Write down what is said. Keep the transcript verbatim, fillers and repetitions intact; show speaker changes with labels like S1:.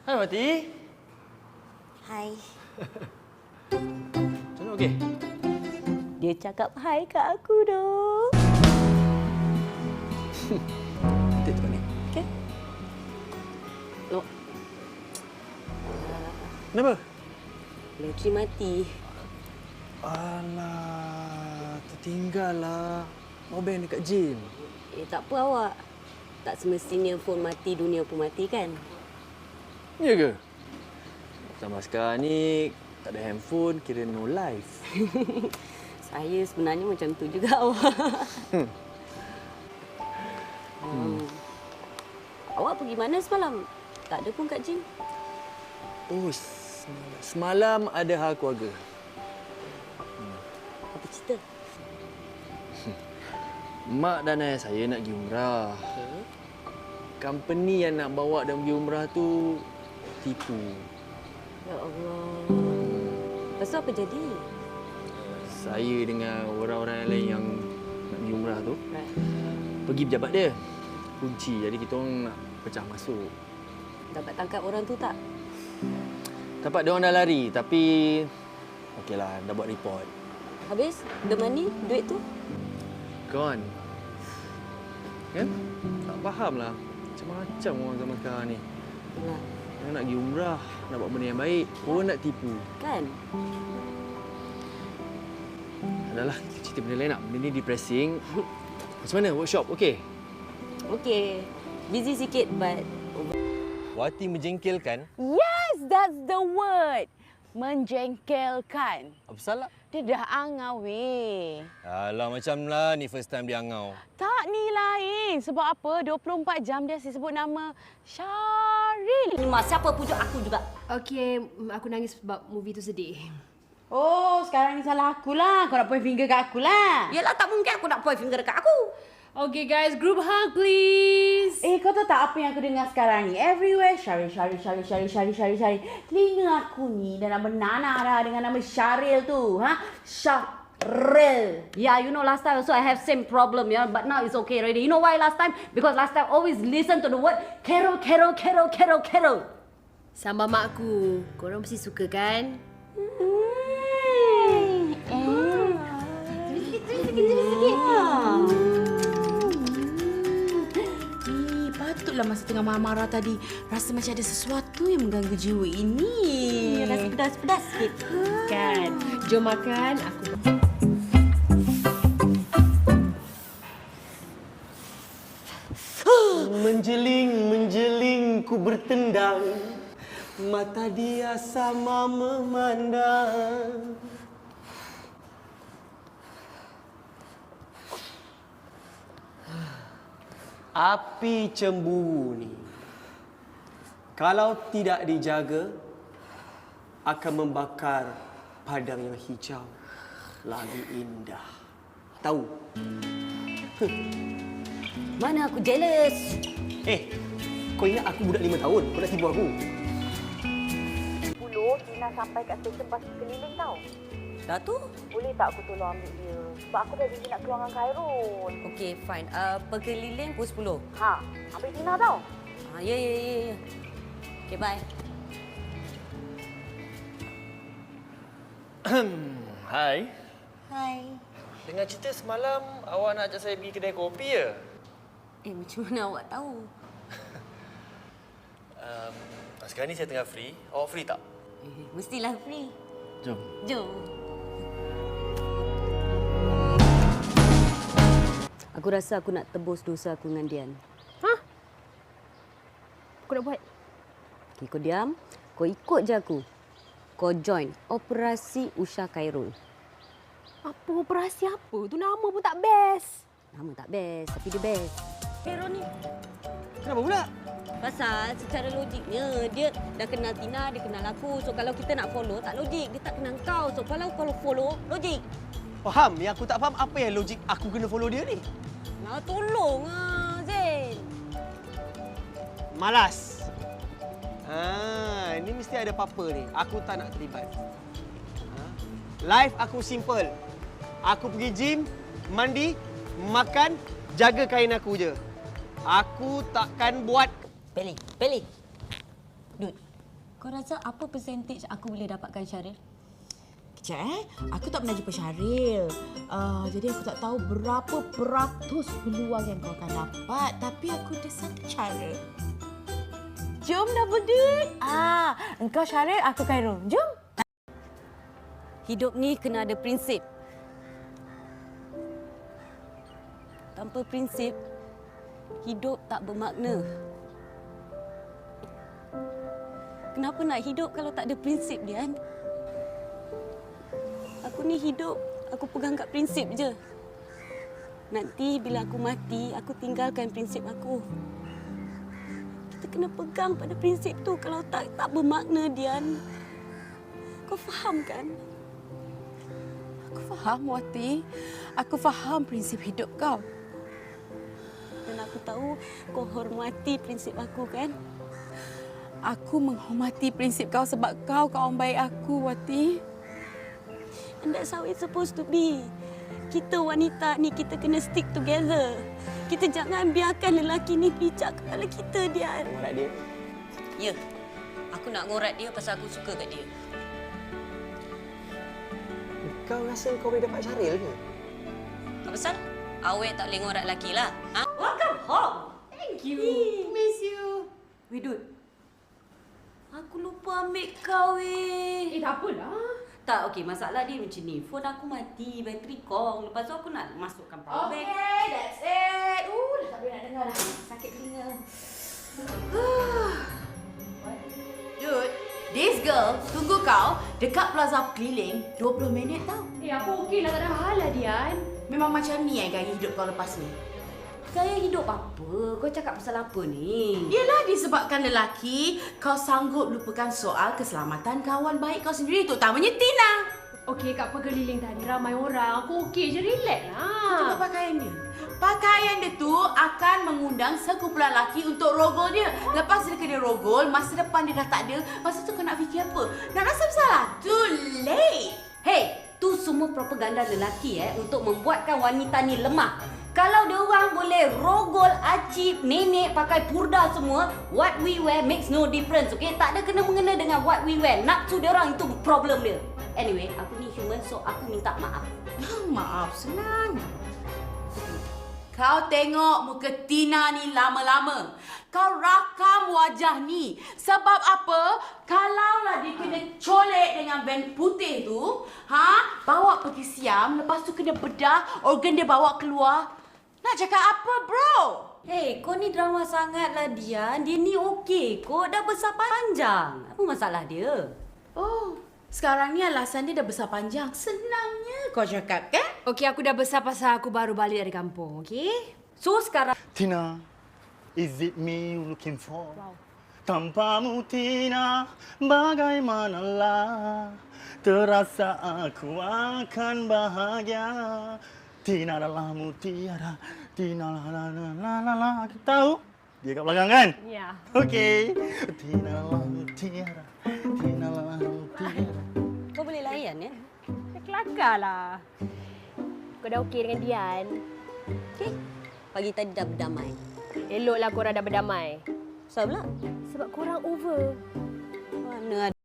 S1: Hai Wati.
S2: Hai.
S1: Macam mana okey?
S2: Dia cakap hai kat aku dong.
S1: Cantik tu ni.
S2: Okey. Loh.
S1: Kenapa?
S2: Loki mati.
S1: Alah, tertinggal lah. Mau bank dekat gym.
S2: Eh, tak apa awak. Tak semestinya phone mati, dunia pun mati kan?
S1: Ya ke? Zaman sekarang ni tak ada handphone, kira no life.
S2: Saya sebenarnya macam tu juga awak.
S1: Hmm.
S2: hmm. Awak pergi mana semalam? Tak ada pun kat gym.
S1: Oh, semalam ada hal keluarga.
S2: Apa cerita?
S1: Mak dan ayah saya nak pergi umrah.
S2: Okay.
S1: Company yang nak bawa dan pergi umrah tu tipu.
S2: Ya Allah. Lepas tu apa jadi?
S1: Saya dengan orang-orang yang lain yang nak pergi umrah tu
S2: Right.
S1: pergi pejabat dia. Kunci. Jadi kita orang nak pecah masuk.
S2: Dapat tangkap orang tu tak?
S1: Dapat dia orang dah lari tapi okeylah dah buat report.
S2: Habis? The money? Duit tu?
S1: Gone. Kan? Tak fahamlah. Macam-macam orang zaman sekarang ni.
S2: Yalah.
S1: Orang nak pergi umrah, nak buat benda yang baik, orang nak tipu.
S2: Kan?
S1: Adalah cerita benda lain nak. Benda ni depressing. Macam mana workshop? Okey?
S2: Okey. Busy sikit but...
S3: Wati menjengkelkan.
S4: Yes, that's the word. Menjengkelkan.
S3: Apa salah?
S4: Dia dah angau weh.
S3: Alah, macam lah ni first time dia angau.
S4: Tak ni lain. Sebab apa? dua puluh empat jam dia asyik sebut nama Syaril.
S2: Ni Mas, siapa pujuk aku juga?
S5: Okey, aku nangis sebab movie tu sedih.
S4: Oh, sekarang ni salah aku lah. Kau nak point finger kat aku lah.
S2: Yelah, tak mungkin aku nak point finger dekat aku.
S5: Okay guys, group hug please.
S4: Eh, kau tahu tak apa yang aku dengar sekarang ni? Everywhere, Syaril, Syaril, Syaril, Syaril, Syaril, Syaril, Syaril. Telinga aku ni dah nak bernanah dah dengan nama Syaril tu. Ha? Syaril.
S2: Yeah, you know last time also I have same problem, yeah, but now it's okay already. You know why last time? Because last time always listen to the word Carol, Carol, Carol, Carol, Carol.
S5: Sambal makku. Korang mesti suka kan?
S4: Hmm. Eh.
S2: Sikit, sikit, sikit, sikit.
S4: Patutlah masa tengah marah-marah tadi rasa macam ada sesuatu yang mengganggu jiwa ini.
S2: Rasa pedas-pedas sikit.
S5: Kan? Jom makan. Aku
S3: Menjeling, menjeling ku bertendang. Mata dia sama memandang. Api cemburu ni, kalau tidak dijaga, akan membakar padang yang hijau lagi indah. Tahu?
S2: Mana aku jealous.
S3: Eh, kau ingat aku budak lima tahun? Kau nak tipu aku?
S6: sepuluh, Tina sampai kat stesen bas keliling tau.
S2: Dah tu?
S6: Boleh tak aku tolong ambil dia? Sebab aku dah janji nak keluar dengan Khairul.
S2: Okay, fine. Uh, perkeliling pukul sepuluh.
S6: Ha, ambil Tina tau.
S2: Ha, ya, ya, ya, ya. Okay, bye.
S1: Hai.
S2: Hai.
S1: Dengar cerita semalam awak nak ajak saya pergi kedai kopi ya?
S2: Eh, macam mana awak tahu?
S1: Um, sekarang ni saya tengah free. Awak free tak?
S2: Eh, mestilah free.
S1: Jom.
S2: Jom. Aku rasa aku nak tebus dosa aku dengan Dian.
S5: Hah? Aku nak buat.
S2: Okay, kau diam. Kau ikut je aku. Kau join Operasi Usha Khairul.
S5: Apa operasi apa? Tu nama pun tak best.
S2: Nama tak best, tapi dia best. Khairul ni.
S3: Kenapa pula?
S2: Pasal secara logiknya, dia dah kenal Tina, dia kenal aku. So kalau kita nak follow, tak logik. Dia tak kenal kau. So kalau kalau follow, logik.
S3: Faham? Yang aku tak faham apa yang logik aku kena follow dia ni?
S2: Nah, tolong ah, Zain.
S3: Malas. Ah, ini mesti ada apa-apa ni. Aku tak nak terlibat. Ha? Life aku simple. Aku pergi gym, mandi, makan, jaga kain aku je. Aku takkan buat...
S2: Peli, Peli. Dude, Kau rasa apa percentage aku boleh dapatkan, Syaril?
S4: Kejap eh, aku tak pernah jumpa Syaril. Uh, jadi aku tak tahu berapa peratus peluang yang kau akan dapat. Tapi aku ada satu cara. Jom double date. Ah, engkau Syaril, aku Khairul. Jom.
S2: Hidup ni kena ada prinsip. Tanpa prinsip, hidup tak bermakna. Kenapa nak hidup kalau tak ada prinsip, Dian? Aku ni hidup, aku pegang kat prinsip je. Nanti bila aku mati, aku tinggalkan prinsip aku. Kita kena pegang pada prinsip tu. Kalau tak, tak bermakna, Dian. Kau faham kan?
S4: Aku faham, Wati. Aku faham prinsip hidup kau.
S2: Dan aku tahu kau hormati prinsip aku, kan?
S4: Aku menghormati prinsip kau sebab kau kawan baik aku, Wati.
S2: And that's how it's supposed to be. Kita wanita ni, kita kena stick together. Kita jangan biarkan lelaki ni bijak kepala kita, Dian.
S3: Ngorat dia.
S2: Ya, aku nak ngorat dia pasal aku suka kat dia.
S3: Kau rasa kau boleh dapat Syaril ke?
S2: Apa pasal? Awet tak boleh ngorat lelaki lah. Ha? Welcome home. Thank you. Miss you. Widut. Aku lupa ambil kau, eh.
S5: Eh, tak apalah.
S2: Tak, okey. Masalah dia macam ni. Phone aku mati, bateri kong. Lepas tu aku nak masukkan power bank.
S4: Okay, that's it. Uh, dah tak boleh nak dengar dah. Sakit telinga. Dude, this girl tunggu kau dekat plaza keliling dua puluh minit tau.
S5: Eh, aku okey lah. Tak ada hal lah, Dian.
S4: Memang macam ni eh gaya hidup kau lepas ni.
S2: Gaya hidup apa? Kau cakap pasal apa ni?
S4: Yelah, disebabkan lelaki, kau sanggup lupakan soal keselamatan kawan baik kau sendiri, terutamanya Tina.
S5: Okey, kat pegeliling tadi ramai orang. Aku okey je, relax
S4: Tengok
S5: lah.
S4: pakaian dia. Pakaian dia tu akan mengundang sekumpulan lelaki untuk rogol dia. Lepas dia kena rogol, masa depan dia dah tak ada. Masa tu kau nak fikir apa? Nak rasa bersalah? Too late.
S2: Hey, tu semua propaganda lelaki eh untuk membuatkan wanita ni lemah. Kalau dia orang boleh rogol, acip, nenek pakai purda semua, what we wear makes no difference, okay? Tak ada kena-mengena dengan what we wear. Nafsu dia orang itu problem dia. Anyway, aku ni human, so aku minta maaf.
S4: Maaf, senang. Kau tengok muka Tina ni lama-lama. Kau rakam wajah ni. Sebab apa? Kalaulah dia kena colek dengan van putih tu, ha? Bawa pergi siam, lepas tu kena bedah, organ dia bawa keluar. Nak cakap apa, bro?
S2: Hey, kau ni drama sangat lah, Dian. Dia ni okey kau, dah besar panjang. Apa masalah dia?
S4: Oh, sekarang ni alasan dia dah besar panjang. Senangnya kau cakap, kan?
S5: Okey, aku dah besar pasal aku baru balik dari kampung, okey?
S2: So sekarang
S7: Tina, is it me you looking for? Wow. Tanpamu Tina, bagaimanalah terasa aku akan bahagia. Tina adalah mutiara, Tina la la la la la la. Kita tahu? Dia kat belakang kan?
S5: Ya.
S7: Okey. Tina adalah mutiara, Tina adalah mutiara.
S2: kau boleh layan ya?
S5: Kelakar lah. Kau dah okey dengan Dian?
S2: Okey. Pagi tadi dah berdamai.
S5: Eloklah korang dah berdamai.
S2: Sebab pula?
S5: Sebab korang over.
S2: Mana ada